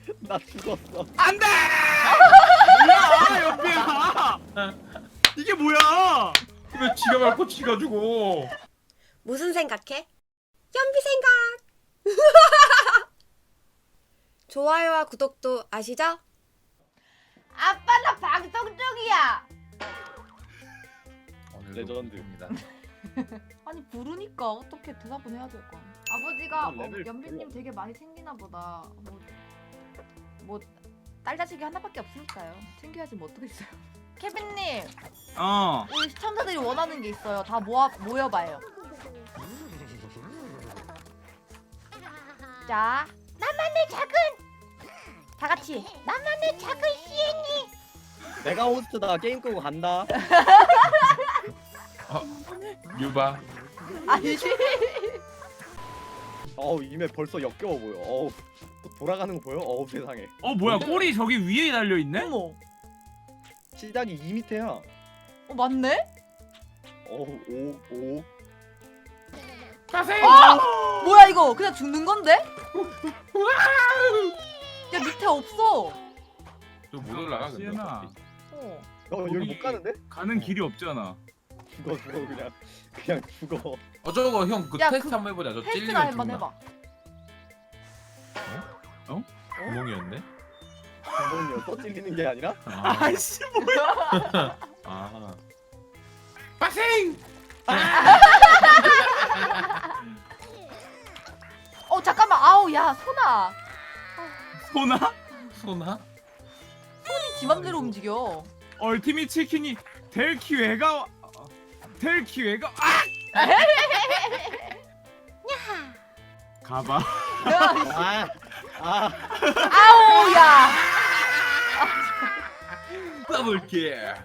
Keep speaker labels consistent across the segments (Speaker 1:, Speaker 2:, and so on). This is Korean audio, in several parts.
Speaker 1: 나 죽었어.
Speaker 2: 안돼! 뭐야 연비야? 이게 뭐야?
Speaker 3: 왜 지가 말고 지가 죽어?
Speaker 4: 무슨 생각해? 연비 생각! 좋아요와 구독도 아시죠?
Speaker 5: 아빠 나 방송 중이야.
Speaker 1: 레전드입니다.
Speaker 5: 아니 부르니까 어떻게 대답은 해야 될 거 아니야. 아버지가
Speaker 1: 레벨
Speaker 5: 연비님
Speaker 1: 별로
Speaker 5: 되게 많이 챙기나 보다. 뭐 딸 자식이 하나밖에 없으니까요. 챙겨야지 뭐 어떡겠어요. 케빈님, 우리 시청자들이 원하는 게 있어요. 다 모여봐요. 자, 나만의 작은 다 같이 나만의 작은 시애니.
Speaker 1: 내가 호스트다. 게임 끄고 간다.
Speaker 3: 유바.
Speaker 5: 아니지.
Speaker 1: 어우 이메 벌써 역겨워 보여. 어우 돌아가는 거 보여? 어우 세상에.
Speaker 2: 뭐야 꼬리 저기 위에 달려 있네?
Speaker 5: 어머,
Speaker 1: 시작이 2 밑에야.
Speaker 5: 맞네?
Speaker 1: 어우 오.
Speaker 3: 가세요.
Speaker 5: 뭐야 이거 그냥 죽는 건데? 야 밑에 없어.
Speaker 3: 저못 올라가 근데.
Speaker 2: 시연아.
Speaker 3: 어차피.
Speaker 1: 여기 못 가는데?
Speaker 2: 가는 길이 없잖아.
Speaker 1: 죽어 그냥 죽어.
Speaker 3: 저거 형 그
Speaker 5: 야,
Speaker 3: 테스트
Speaker 5: 그
Speaker 3: 한번 해보자. 저
Speaker 5: 테스트나
Speaker 3: 찔리면
Speaker 5: 한번
Speaker 3: 죽나?
Speaker 5: 해봐.
Speaker 3: 구멍이었네.
Speaker 1: 구멍이었어? 찔리는 게 아니라?
Speaker 2: 아이씨 뭐야?
Speaker 3: 아. 빠생!
Speaker 5: 잠깐만. 아우 야 소나.
Speaker 2: 소나?
Speaker 3: 소나?
Speaker 5: 손이 지 맘대로 움직여.
Speaker 2: 얼티밋 치킨이 될 기회가 가봐.
Speaker 5: 아우 야.
Speaker 3: 더블킬.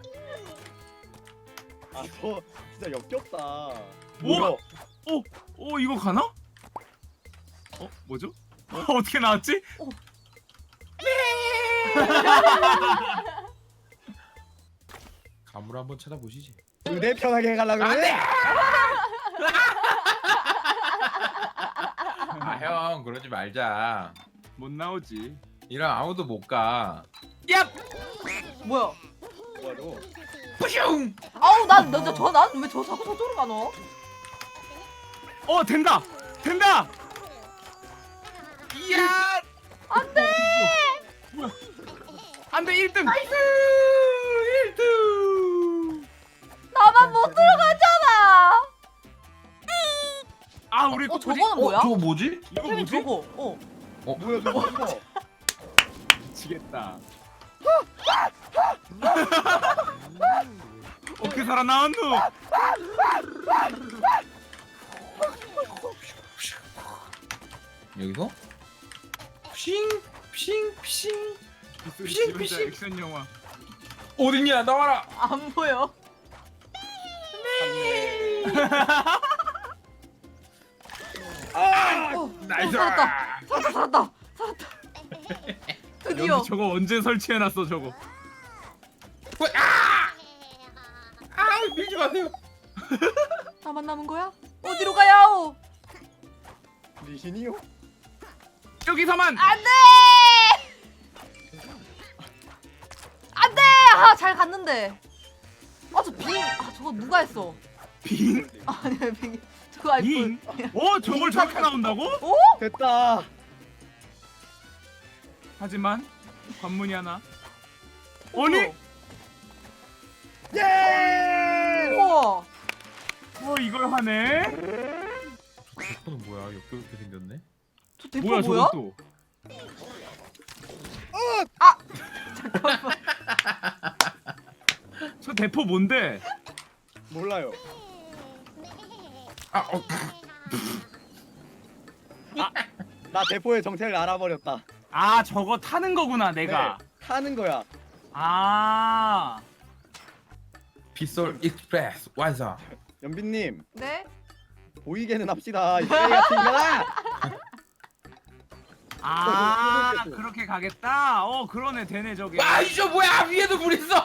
Speaker 1: 저 진짜 역겹다.
Speaker 2: 뭐야? 이거 가나? 뭐죠? 어떻게 나왔지?
Speaker 3: 가물 한번 찾아보시지.
Speaker 1: 의대 편하게 가려 그래?
Speaker 3: 형 그러지 말자.
Speaker 2: 못 나오지.
Speaker 3: 이랑 아무도 못 가.
Speaker 2: 야!
Speaker 5: 뭐야?
Speaker 1: 뭐야 너?
Speaker 3: 뿌슝!
Speaker 5: 아우 난왜저 자꾸 저쪽으로 가노?
Speaker 2: 된다!
Speaker 3: 이야!
Speaker 5: 안돼.
Speaker 2: 뭐야? 안돼 1등!
Speaker 3: 나이스! 1등!
Speaker 5: 나만 못 들어가잖아.
Speaker 2: 우리
Speaker 5: 저거는 뭐야?
Speaker 3: 저거 뭐지?
Speaker 2: 이거
Speaker 5: 케빈
Speaker 2: 뭐지?
Speaker 5: 저거.
Speaker 1: 뭐야 저거?
Speaker 2: 미치겠다. 어떻게 살아나왔노?
Speaker 3: 여기서? 핑! 핑! 핑!
Speaker 2: 진짜 액션 영화.
Speaker 3: 어딨냐? 나와라!
Speaker 5: 안 보여.
Speaker 2: 나이스!
Speaker 5: 살았다. 드디어.
Speaker 2: 여기 저거 언제 설치해놨어 저거?
Speaker 3: 밀지 마세요!
Speaker 5: 나만 남은 거야? 어디로 가야오?
Speaker 1: 리신이요?
Speaker 2: 여기서만!
Speaker 5: 안돼. 잘 갔는데. 저거 누가 했어?
Speaker 2: 빙?
Speaker 5: 아니 빙. 저거 아이폰.
Speaker 2: 빙? 저걸 저렇게 나온다고?
Speaker 1: 됐다.
Speaker 2: 하지만 관문이 하나. 아니?
Speaker 1: 예!
Speaker 5: 우와.
Speaker 2: 이걸 하네?
Speaker 3: 대포는 뭐야? 역겹게 생겼네?
Speaker 5: 저 대포
Speaker 2: 뭐야
Speaker 5: 뭐야?
Speaker 2: 저건 또?
Speaker 5: 잠깐만.
Speaker 2: 저 대포 뭔데?
Speaker 1: 몰라요. 나 대포의 정체를 알아버렸다.
Speaker 2: 저거 타는 거구나 내가.
Speaker 1: 네, 타는 거야.
Speaker 3: 빗솔 익스프레스 완성!
Speaker 1: 연빈님
Speaker 5: 네?
Speaker 1: 보이게는 합시다. 이 쓰레기 같은 거다.
Speaker 2: 그렇게 가겠다? 그러네 되네 저게.
Speaker 3: 이저 뭐야! 위에도 물 있어!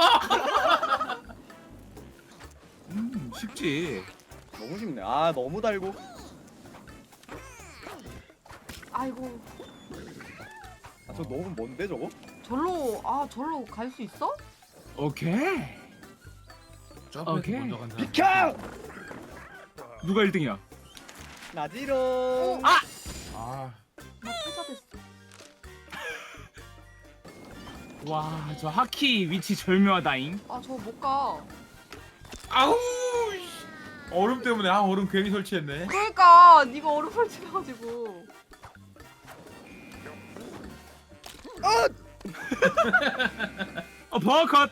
Speaker 2: 쉽지.
Speaker 1: 너무 쉽네. 너무 달고.
Speaker 5: 아이고.
Speaker 1: 저 너무 먼데 저거?
Speaker 5: 절로 갈 수 있어?
Speaker 2: 오케이.
Speaker 3: 점프해서
Speaker 2: 오케이.
Speaker 3: 먼저 간 사람.
Speaker 1: 비켜!
Speaker 2: 누가 1등이야?
Speaker 1: 나지롱.
Speaker 2: 아!
Speaker 3: 아,
Speaker 5: 나 패자됐어.
Speaker 2: 와, 저 하키 위치 절묘하다잉.
Speaker 5: 아 저 못 가.
Speaker 3: 아우. 씨. 얼음 때문에 얼음 괜히 설치했네.
Speaker 5: 그러니까 네가 얼음 설치해가지고.
Speaker 2: 버컷.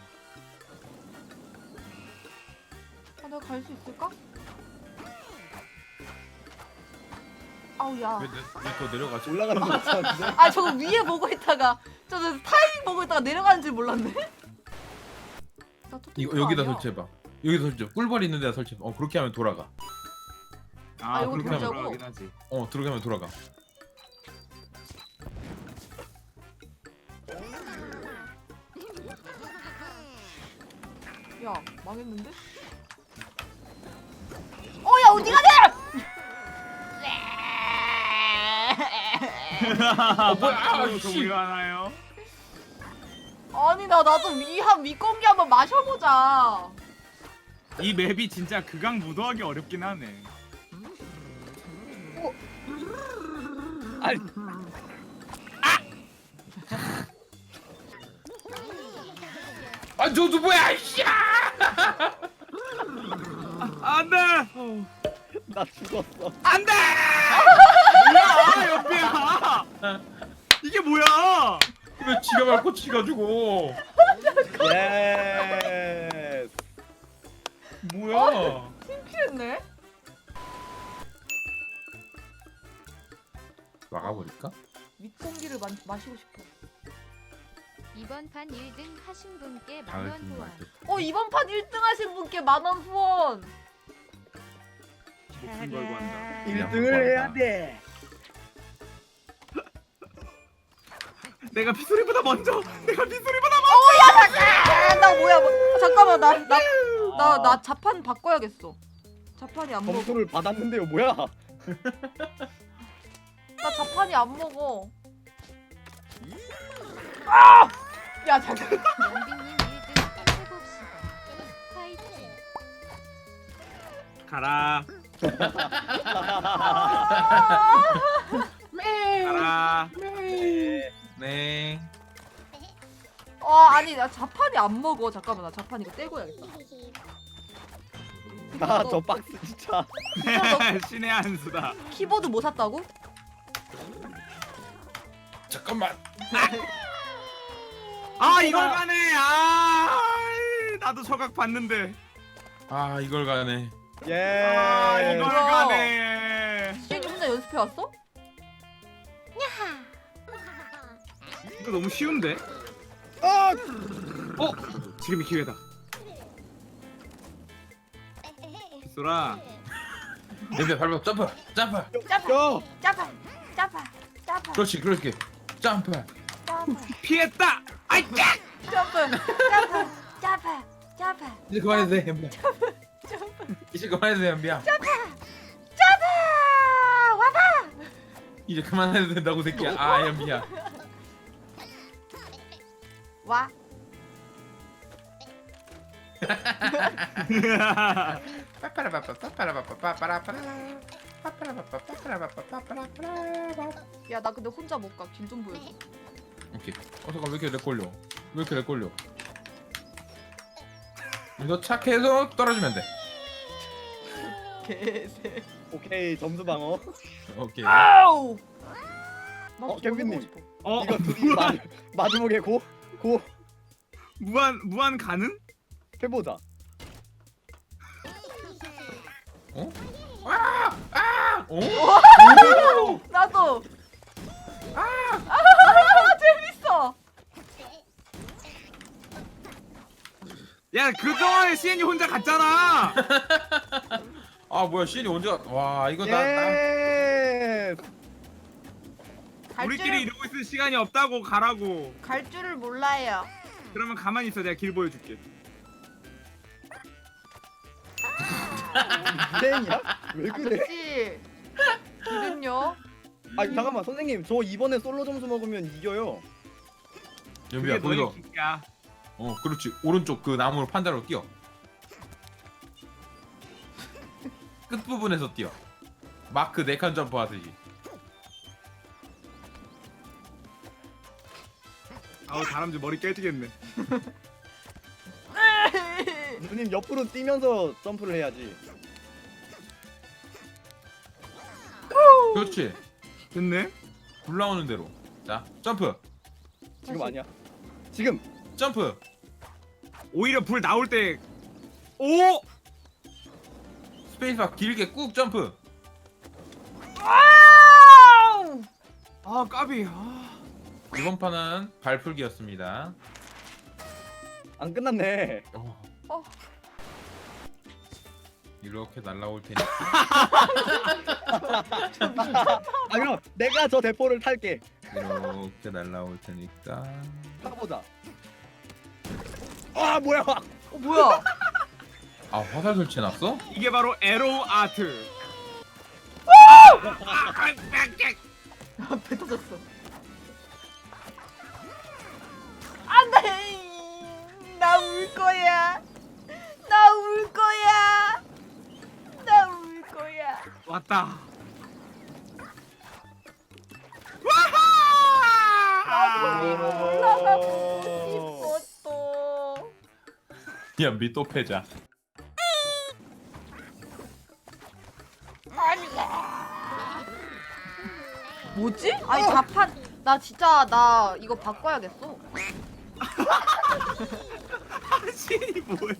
Speaker 5: 아 내가 갈 수 있을까? 아우 야.
Speaker 3: 왜또 내려가지?
Speaker 1: 올라가는 거 같았는데.
Speaker 5: 아 저거 위에 보고 있다가 저 타이밍 보고 있다가 내려가는 줄 몰랐네. 나 터뜨린
Speaker 3: 이거
Speaker 5: 거
Speaker 3: 여기다
Speaker 5: 아니야?
Speaker 3: 설치해봐. 여기다 설치해. 꿀벌 있는 데다 설치해봐. 그렇게 하면 돌아가.
Speaker 2: 아,
Speaker 5: 이거
Speaker 2: 그렇게
Speaker 5: 돌자고?
Speaker 2: 하면 돌아가긴 하지.
Speaker 3: 들어게 하면 돌아가.
Speaker 5: 야 망했는데? 어야 어디 가냐?
Speaker 2: 뭐야?
Speaker 3: 씨.
Speaker 2: 우리가 하나요?
Speaker 5: 아니 나도 윗공기 한번 마셔보자.
Speaker 2: 이 맵이 진짜 극강 무도하기 어렵긴 하네.
Speaker 1: 아니,
Speaker 3: 저 누구야? 씨!
Speaker 2: 안돼.
Speaker 1: 나 죽었어.
Speaker 2: 안돼. 뭐야 옆이야? 이게 뭐야?
Speaker 3: 왜 지가 밟고 치가지고?
Speaker 1: 예스.
Speaker 3: 뭐야?
Speaker 5: 창피했네.
Speaker 3: 막아버릴까?
Speaker 5: 윗공기를 마시고 싶어.
Speaker 6: 이번 판 1등 하신 분께
Speaker 3: 아,
Speaker 6: 만원 후원.
Speaker 5: 이번 판 1등 하신 분께 10,000원 후원.
Speaker 2: 목숨 걸고 한다.
Speaker 1: 1등을 해야 돼.
Speaker 2: 내가 피소리보다 먼저. 내가 피소리보다
Speaker 5: 아, 나 뭐야? 잠깐만 나 자판 바꿔야겠어. 자판이 안 먹어.
Speaker 1: 점수를 받았는데요, 뭐야?
Speaker 5: 나 자판이 안 먹어. 아! 야 잠깐.
Speaker 6: 연비님 1등 해봅시다. 화이팅.
Speaker 2: 가라. 가라.
Speaker 3: 네.
Speaker 5: 아니 나 자판이 안 먹어. 잠깐만 나 자판 이거 떼고 해야겠다.
Speaker 1: 나 저 박스 진짜.
Speaker 2: 신의 한 수다.
Speaker 5: 키보드 뭐 샀다고?
Speaker 3: 잠깐만.
Speaker 2: 아 이걸 가네. 아 나도 저각 봤는데.
Speaker 3: 이걸 가네.
Speaker 1: 예.
Speaker 2: 아 이걸
Speaker 5: 뭐야?
Speaker 2: 가네.
Speaker 5: 시현이 혼자 연습해 왔어?
Speaker 2: 이거 너무 쉬운데?
Speaker 1: 아!
Speaker 2: 지금이 기회다. 빗소라.
Speaker 3: 냄새 밟아. 점프.
Speaker 1: go.
Speaker 5: 짜파.
Speaker 3: 그렇지. 점프.
Speaker 2: 피했다. 아이 짜.
Speaker 5: 짜파.
Speaker 3: 이제 그만해도 돼, 연비야. 이제 그만해도 돼, 연비야.
Speaker 5: 와봐.
Speaker 3: 이제 그만해도 된다고 새끼야. 연비야.
Speaker 5: 와. 야 나 근데 혼자 못 가. 길 좀 보여줘.
Speaker 3: 오케이. 잠깐 왜 이렇게 렉 걸려? 이거 착해서 떨어지면 돼.
Speaker 5: 개새.
Speaker 1: 오케이, 점수 방어.
Speaker 3: 오케이.
Speaker 5: 아우.
Speaker 1: 경빈님.
Speaker 2: 어
Speaker 1: 이거 둘이 마지막에 고
Speaker 2: 무한 가능?
Speaker 1: 해보자.
Speaker 3: 어?
Speaker 5: 나도. 재밌어.
Speaker 2: 야 그동안에 시엔이 혼자 갔잖아.
Speaker 3: 뭐야, 시인이 언제 와, 이거
Speaker 1: 예.
Speaker 2: 우리끼리 이러고 있을 시간이 없다고 가라고.
Speaker 5: 갈 줄을 몰라요.
Speaker 2: 그러면 가만히 있어. 내가 길 보여줄게.
Speaker 1: 유행이야? 왜 그래?
Speaker 5: 아저씨. 길은요?
Speaker 1: 아 잠깐만 선생님, 저 이번에 솔로 점수 먹으면 이겨요.
Speaker 3: 연비야
Speaker 2: 그게 너의
Speaker 3: 거기서
Speaker 2: 기야.
Speaker 3: 그렇지 오른쪽 그 나무를 판자로 뛰어. 끝 부분에서 뛰어. 마크 4칸 점프 하듯이.
Speaker 2: 아우 다람쥐 머리 깨지겠네.
Speaker 1: 누님 옆으로 뛰면서 점프를 해야지.
Speaker 3: 그렇지.
Speaker 2: 됐네.
Speaker 3: 불 나오는 대로. 자 점프.
Speaker 1: 지금
Speaker 5: 다시.
Speaker 1: 아니야. 지금.
Speaker 3: 점프.
Speaker 2: 오히려 불 나올 때. 오!
Speaker 3: 스페이스바 길게 꾹 점프.
Speaker 5: 아우!
Speaker 2: 아 까비. 아.
Speaker 3: 이번 판은 발풀기였습니다.
Speaker 1: 안 끝났네.
Speaker 5: 어.
Speaker 3: 이렇게 날라올 테니까.
Speaker 1: 아 그럼 내가 저 대포를 탈게.
Speaker 3: 이렇게 날라올 테니까.
Speaker 1: 타보자. 아 뭐야?
Speaker 5: 뭐야?
Speaker 3: 아 화살 설치해놨어?
Speaker 2: 이게 바로 에로우 아트.
Speaker 5: 배 터졌어. 안돼. 나 울 거야. 나 울 거야. 나 울 거야.
Speaker 2: 왔다.
Speaker 5: 올라가고 싶었어.
Speaker 3: 연비 또 패자.
Speaker 5: 뭐지? 아니 자판 나 진짜 나 이거 바꿔야겠어.
Speaker 2: 신이 뭐야?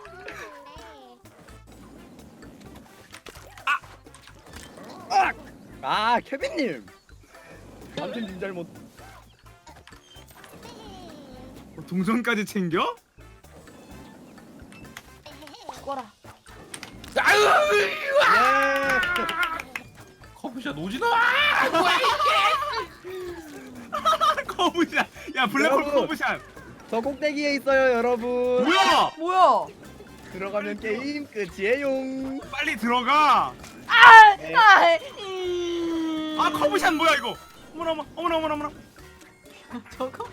Speaker 1: 아 케빈님. 완전 님 잘못.
Speaker 2: 동전까지 챙겨?
Speaker 5: 죽어라.
Speaker 1: 예.
Speaker 3: 커브샷 오지마!
Speaker 2: 커브샷. 야 블랙홀
Speaker 1: 여러분.
Speaker 2: 커브샷.
Speaker 1: 저 꼭대기에 있어요 여러분.
Speaker 2: 뭐야?
Speaker 5: 뭐야?
Speaker 1: 들어가면 게임 끝이에요.
Speaker 2: 빨리 들어가.
Speaker 1: 네.
Speaker 2: 아 커브샷 뭐야 이거? 어머나 어머나 어머나 어머나.
Speaker 5: 저거?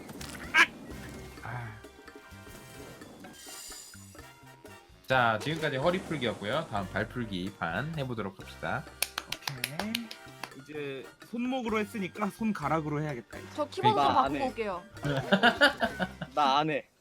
Speaker 3: 자 지금까지 허리 풀기였고요. 다음 발 풀기 판 해보도록 합시다.
Speaker 2: 오케이. 이제 손목으로 했으니까 손가락으로 해야겠다. 이제.
Speaker 5: 저 키보드 좀
Speaker 1: 나
Speaker 5: 바꾸고
Speaker 1: 안 해.
Speaker 5: 올게요.
Speaker 1: 나 안 해.